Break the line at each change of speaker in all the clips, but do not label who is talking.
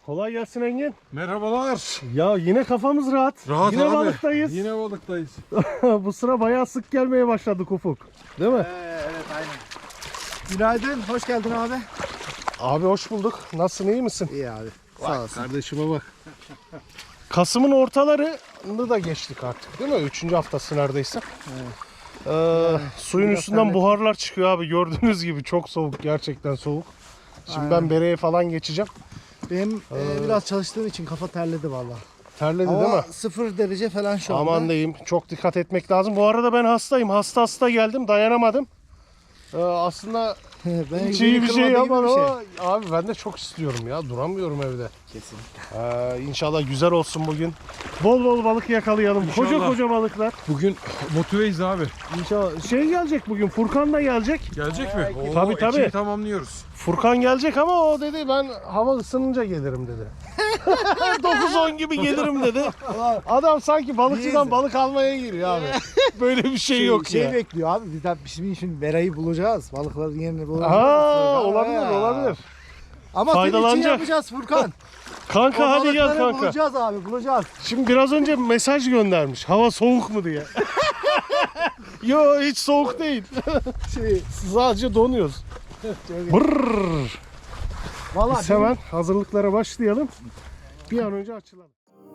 Kolay gelsin Engin.
Merhabalar.
Ya yine kafamız rahat.
Rahat
yine
abi.
balıktayız.
Yine balıktayız.
Bu sıra bayağı sık gelmeye başladık Ufuk. Değil mi?
Evet aynen. Günaydın, hoş geldin abi.
Abi hoş bulduk. Nasılsın, iyi misin?
İyi abi. Sağ olasın.
Kardeşime bak. Kasım'ın ortalarını da geçtik artık değil mi? 3. haftası neredeyse. Suyun üstünden buharlar çıkıyor abi. Gördüğünüz gibi çok soğuk. Gerçekten soğuk. Şimdi ben bereye falan geçeceğim.
Benim biraz çalıştığım için kafa terledi vallahi.
Terledi
Hava
değil mi?
0 derece falan şu anda.
Aman diyeyim. Çok dikkat etmek lazım. Bu arada ben hastayım. Hasta geldim. Dayanamadım. Aslında
ben
hiç iyi bir şey yapmadım
şey.
ama abi ben de çok istiyorum ya. Duramıyorum evde.
Kesinlikle.
İnşallah güzel olsun bugün. Bol bol balık yakalayalım.
İnşallah.
Koca balıklar.
Bugün motiveyiz abi.
İnşallah. Şey gelecek bugün. Furkan da gelecek.
Gelecek mi? Oo,
Tabii.
ekibi tamamlıyoruz.
Furkan gelecek ama o dedi ben hava ısınınca gelirim dedi. 9-10 gibi gelirim dedi. Adam sanki balıkçıdan balık almaya giriyor abi. Böyle bir şey yok ya.
bekliyor abi. Biz şimdi Bera'yı bulacağız. Balıkların yerini bulacağız.
Olabilir.
Ama senin için
Faydalanacak.
yapacağız Furkan.
Kanka hadi gel
Balıkları
kanka.
bulacağız abi, bulacağız.
Şimdi biraz önce mesaj göndermiş. Hava soğuk mu diye. Yo hiç soğuk değil. Sadece donuyoruz. Brrr.
Vallahi
Biz hemen hazırlıklara başlayalım. Bir an önce açılalım.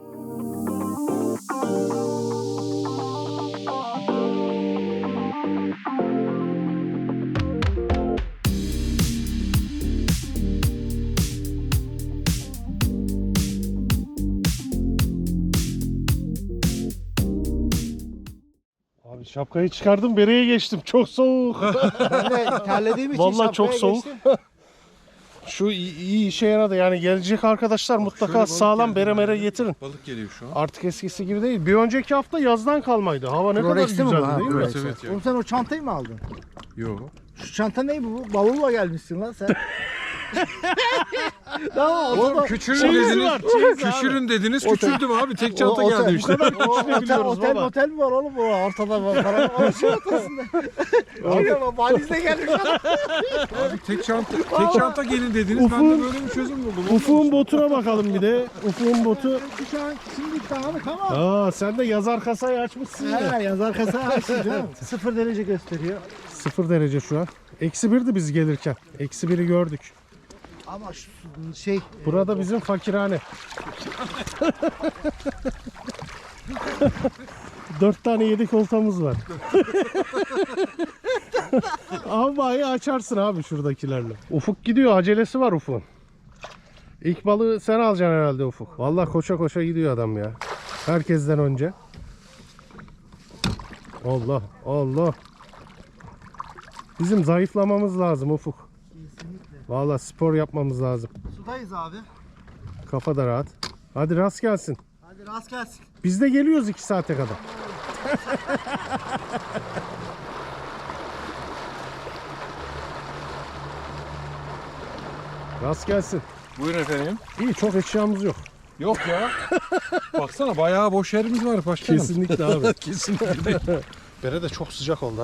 Abi şapkayı çıkardım, bereye geçtim. Çok soğuk.
ben de terlediğim için
Vallahi çok
şapkaya
soğuk.
geçtim.
Şu iyi işe yaradı. Yani gelecek arkadaşlar mutlaka
balık
sağlam
geldi
bere mere
yani.
getirin.
Balık geliyor şu an.
Artık eskisi gibi değil. Bir önceki hafta yazdan kalmaydı. Hava ne kadar
Florex'te mi
güzeldi
bu? Ha,
değil mi?
Evet evet ya.
Oğlum sen o çantayı mı aldın?
Yo.
Şu çanta ne bu? Bavulla gelmişsin lan sen. Tamam,
Oğlum küçülün
Çeyiz
dediniz.
var, çeyiz abi.
Küçülün dediniz. Küçüldüm abi. Tek çanta
otel,
geldi işte.
Küçülebiliyoruz baba.
Otel mi var oğlum bu ortada var. Para şey ortasında. Ama valizle gelmiş adam.
Abi tek çanta gelin dediniz. Ben de böyle bir çözüm buldum.
Ufuk'un botuna bakalım bir de. Ufuk'un botu.
Şu an şimdi tamam tamam.
Aa sen de yazar kasayı açmışsın ya.
He yazar kasa açtı 0 derece gösteriyor.
0 derece şu an. -1'di biz gelirken. -1'i gördük.
Ama şu şey
Burada bizim fakirhane. 4 tane yedek oltamız var. Havayı açarsın abi şuradakilerle. Ufuk gidiyor, acelesi var Ufuk'un. İlk balığı sen alacaksın herhalde Ufuk. Vallahi koşa koşa gidiyor adam ya. Herkesten önce. Allah Allah. Bizim zayıflamamız lazım Ufuk. Vallahi spor yapmamız lazım.
sudayız abi.
Kafa da rahat. Hadi rast gelsin.
Hadi rast gelsin.
Biz de geliyoruz 2 saate kadar. Rast gelsin.
Buyurun efendim.
İyi, çok eşyamız yok.
Yok ya. Baksana bayağı boş yerimiz var başkanım.
Kesinlikle abi.
Kesinlikle.
Bere de çok sıcak oldu.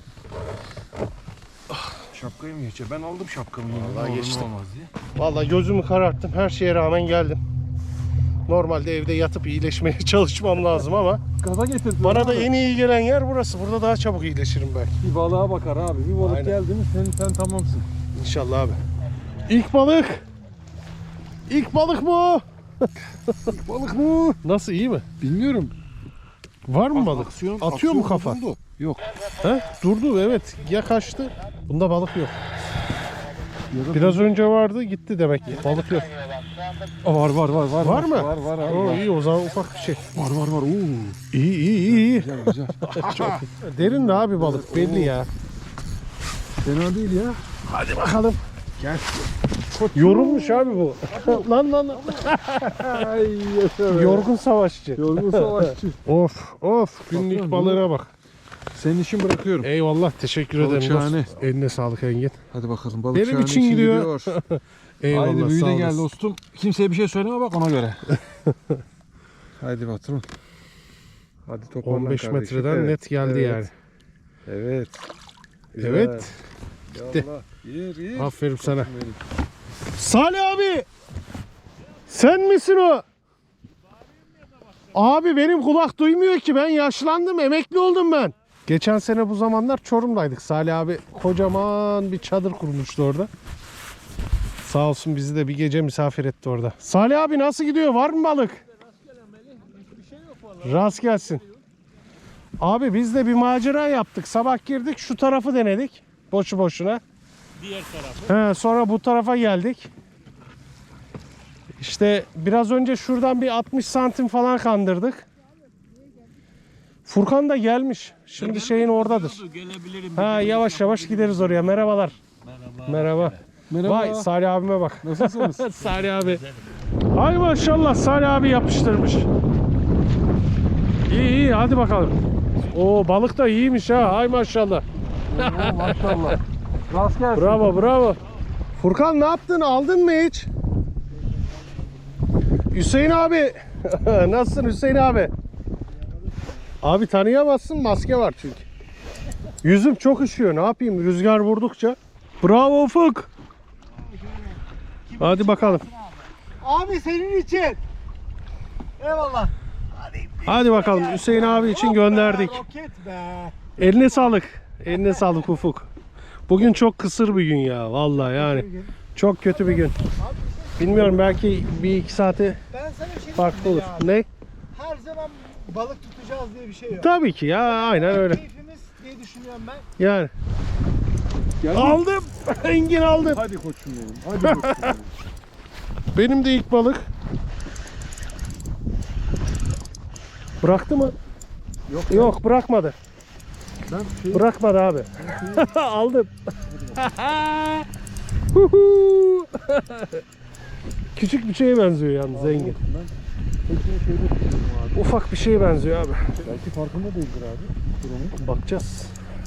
Şapkayı mı geçiyor? Ben aldım şapkamı.
Vallahi geçtim.
Olmaz diye.
Vallahi gözümü kararttım. Her şeye rağmen geldim. Normalde evde yatıp iyileşmeye çalışmam lazım ama
Gaza getirdim.
bana da en iyi gelen yer burası. Burada daha çabuk iyileşirim belki.
Bir balığa bakar abi. Bir balık
Aynen.
geldi mi sen tamamsın.
İnşallah abi. İlk balık. İlk balık bu.
Balık mı?
Nasıl, iyi mi?
Bilmiyorum.
Var mı balık? Atıyor mu kafa?
Yok.
He? Durdu, evet. Ya kaçtı. Bunda balık yok. Biraz önce vardı, gitti demek ki. Balık yok.
Var.
Var mı?
Var abi.
Oo, iyi, o zaman ufak bir şey.
Var. Oo.
İyi.
Güzel.
Derin de abi balık, belli ya.
Fena değil ya.
Hadi bakalım.
Gel.
Yorulmuş abi bu. lan.
Ay yaşa be.
Yorgun savaşçı.
Yorgun savaşçı.
Of. Günlük
Bakıyorum,
balığına bak.
Senin için bırakıyorum.
Eyvallah, teşekkür
Balık
ederim.
şahane.
Dostum. Eline sağlık Engin.
Hadi bakalım balık
Benim
şahane
için gidiyor. Eyvallah,
Haydi büyü
sağ
de gel
olasın.
dostum. Kimseye bir şey söyleme bak ona göre. Haydi patron. Hadi toparlan
15
kardeşim.
metreden
Evet,
net geldi
evet,
yani.
Evet. Güzel.
Evet. Gitti.
Yallah, yer.
Aferin sana.
Benim.
Salih abi. Sen misin o? Abi benim kulak duymuyor ki, ben yaşlandım, emekli oldum ben. Geçen sene bu zamanlar Çorum'daydık. Salih abi kocaman bir çadır kurmuştu orada. Sağ olsun bizi de bir gece misafir etti orada. Salih abi nasıl gidiyor? Var mı balık? Rast gelsin. Abi biz de bir macera yaptık. Sabah girdik, şu tarafı denedik. Boşu boşuna.
Diğer tarafı.
Sonra bu tarafa geldik. İşte biraz önce şuradan bir 60 santim falan kandırdık. Furkan da gelmiş. Şimdi şeyin oradadır.
Gelebilirim.
Ha, yavaş yavaş gideriz oraya. Merhabalar.
Merhaba.
Merhaba. Vay Salih abime bak.
Nasılsınız?
Salih abi. Ay maşallah, Salih abi yapıştırmış. İyi iyi, hadi bakalım. Oo, balık da iyiymiş ha. Ay maşallah.
Maşallah. Rast gelsin.
Bravo bravo. Furkan ne yaptın? Aldın mı hiç? Hüseyin abi. Nasılsın Hüseyin abi? Abi tanıyamazsın, maske var çünkü. Yüzüm çok üşüyor, ne yapayım rüzgar vurdukça. Bravo Ufuk. Hadi bakalım.
Abi senin için. Eyvallah.
Hadi bakalım, Hüseyin abi için gönderdik.
Roket be.
Eline sağlık. Eline sağlık Ufuk. Bugün çok kısır bir gün ya vallahi yani. Çok kötü bir gün. Bilmiyorum, belki bir iki saate
Ben sana bir şey
farklı olur.
diyeyim
Ne?
Her zaman balık tutacağız diye bir şey yok.
Tabii ki ya, aynen öyle.
Keyfimiz diye düşünüyorum ben.
Yani.
Geldin mi?
Aldım. Engin aldım.
Hadi koçum benim. Hadi koçum benim.
Benim de ilk balık. Bıraktı mı?
Yok.
Yok, bırakmadı.
Ben şey...
Bırakmadı abi. Aldım. Huhu. Küçük bir şeye benziyor yalnız Engin.
Ben hepsini şeyde tutuyorum abi.
Ufak bir şeye benziyor abi.
Belki farkında değildir abi. Durumu.
Bakacağız.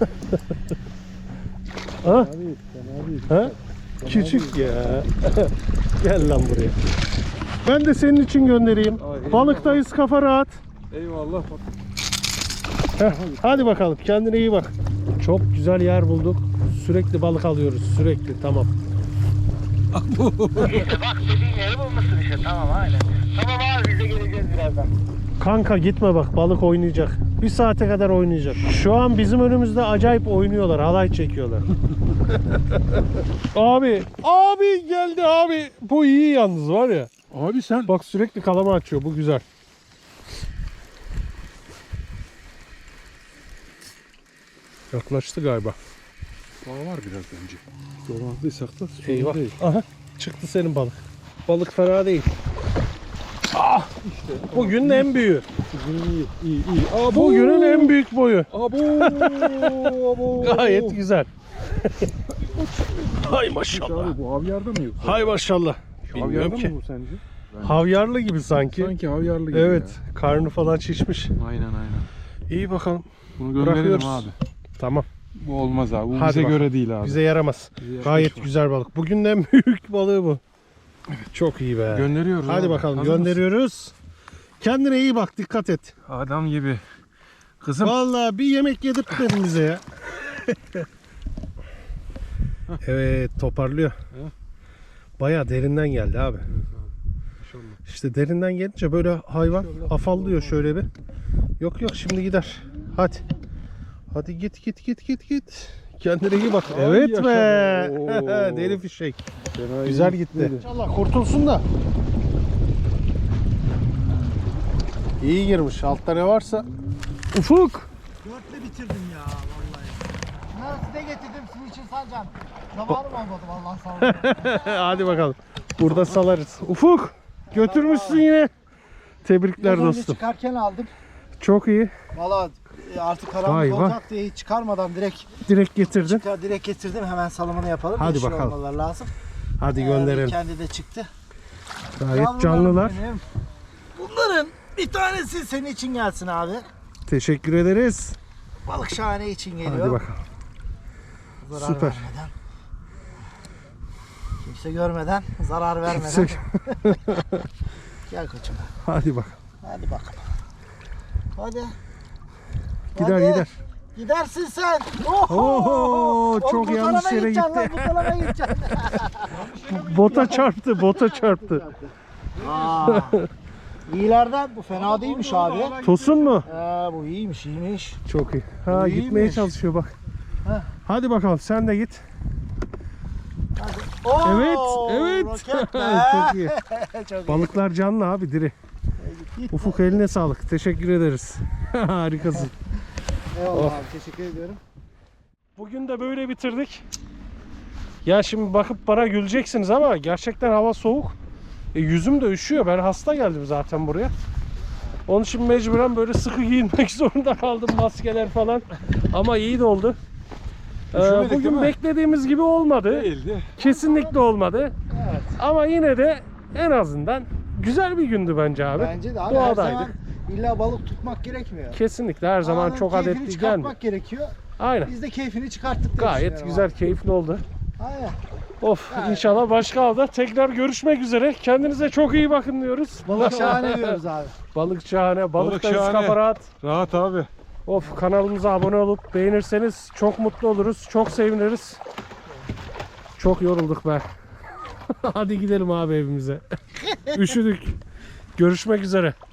Ha?
Fena değil. Fena değil.
Ha? Küçük ya. Gel lan buraya. Ben de senin için göndereyim.
Ay,
Balıktayız, kafa rahat.
Eyvallah. Bak.
Heh, hadi bakalım, kendine iyi bak. Çok güzel yer bulduk. Sürekli balık alıyoruz, sürekli, tamam.
İşte bak dediğin yeri bulmuşsun işte, tamam aynen. Tamam abi, biz de geleceğiz birazdan.
Kanka gitme bak, balık oynayacak. Bir saate kadar oynayacak. Şu an bizim önümüzde acayip oynuyorlar, halay çekiyorlar. Abi geldi abi. Bu iyi yalnız var ya.
Abi sen...
Bak sürekli kalama açıyor, bu güzel. Yaklaştı galiba.
Daha var biraz önce. Dolandıysak da sorun
Eyvah.
değil.
Aha, çıktı senin balık. Balık fena değil. Ah, işte bugünün en büyüğü.
Bugün iyi. Abo.
Bugünün en büyük boyu.
Abo.
Gayet güzel. Hay maşallah.
Abi bu havyarda mı yok?
Hay maşallah. Bilmiyorum
Havyarda
ki.
mı bu sence?
Havyarlı gibi sanki.
Sanki havyarlı gibi
Evet,
ya.
karnı falan şişmiş.
Aynen.
İyi bakalım.
Bunu gönderelim
Bırakıyoruz.
abi.
Tamam.
Bu olmaz abi. Bu
Hadi
bize
bakalım.
göre değil abi.
Bize yaramaz.
Bize
Gayet
yaklaşma.
güzel balık. Bugünün en büyük balığı bu. Çok iyi be.
Gönderiyoruz
Hadi
abi.
bakalım,
Hazır mısın?
gönderiyoruz. Kendine iyi bak, dikkat et.
Adam gibi. Kızım.
Vallahi bir yemek yedirtmedin bize ya. Evet, toparlıyor. Bayağı derinden geldi abi. İşte derinden gelince böyle hayvan afallıyor şöyle bir. Yok şimdi gider. Hadi. Hadi git. Kendine iyi bak.
Ay
Evet
yaşa
be.
be. Oo.
Deri fişek.
Fena
Güzel
iyi
gitti.
gitmedi.
İnşallah kurtulsun da. İyi girmiş. Altta ne varsa. Ufuk.
Dörtle bitirdim ya vallahi. Bunları size getirdim, sizin için salacağım. Zamanım olmadı vallahi, sağ olun.
Hadi bakalım. Burada salarız. Ufuk. Götürmüşsün yine. Tebrikler
Biraz önce
dostum.
çıkarken aldım.
Çok iyi.
Valla artık karanlık
Vay vay.
olacak diye hiç çıkarmadan
Direkt getirdin.
direkt getirdim, hemen salımını yapalım.
Hadi
Yeşil
bakalım.
olmaları lazım.
Hadi gönderelim.
Kendi de çıktı.
Gayet
Yavrularım
canlılar.
benim. Bunların bir tanesi senin için gelsin abi.
Teşekkür ederiz.
Balık şahane için geliyor.
Hadi bakalım.
Zarar
Süper.
vermeden. Kimse görmeden, zarar vermeden.
Kimse-
Gel koçum.
Hadi bakalım.
Hadi bakalım. Hadi.
Gider.
Gidersin sen.
Oho, çok
bu
yanlış
tarafa
yere
gideceksin
gitti.
lan, bu tarafa gideceksin.
Bota çarptı.
Aa. İyilerden bu fena değilmiş abi.
Tosun mu?
Bu iyiymiş.
Çok iyi. Ha
Bu
gitmeye
iyiymiş.
çalışıyor bak.
Heh.
Hadi bakalım sen de git.
Oo,
Evet, evet.
roket be.
Çok iyi.
Çok iyi.
Balıklar canlı abi diri.
Git.
Ufuk eline sağlık. Teşekkür ederiz. Harikasın.
Eyvallah
Of.
abi, teşekkür ediyorum.
Bugün de böyle bitirdik. Ya şimdi bakıp bana güleceksiniz ama gerçekten hava soğuk. Yüzüm de üşüyor. Ben hasta geldim zaten buraya. Onun için mecburen böyle sıkı giyinmek zorunda kaldım. Maskeler falan. Ama iyi de oldu.
Üşümedik değil
Bugün
mi?
beklediğimiz gibi olmadı.
Değildi.
Kesinlikle olmadı.
Evet.
Ama yine de en azından güzel bir gündü bence abi.
Bence de abi her
Doğadaydık.
zaman illa balık tutmak gerekmiyor.
Kesinlikle her zaman
Anın
çok
keyfini
adetli gelmiyor.
çıkartmak gerekiyor.
Aynen.
Biz de keyfini çıkarttık diye
Gayet
düşünüyorum
güzel,
abi.
keyifli oldu.
Aynen.
Of,
Gayet.
inşallah başka avda tekrar görüşmek üzere. Kendinize çok iyi bakın diyoruz.
Balık şahane diyoruz abi.
Balık şahane, balık
Balık
da üst
şahane.
kafa rahat.
Rahat abi.
Of, kanalımıza abone olup beğenirseniz çok mutlu oluruz, çok seviniriz. Çok yorulduk be. Hadi gidelim abi evimize. Üşüdük. Görüşmek üzere.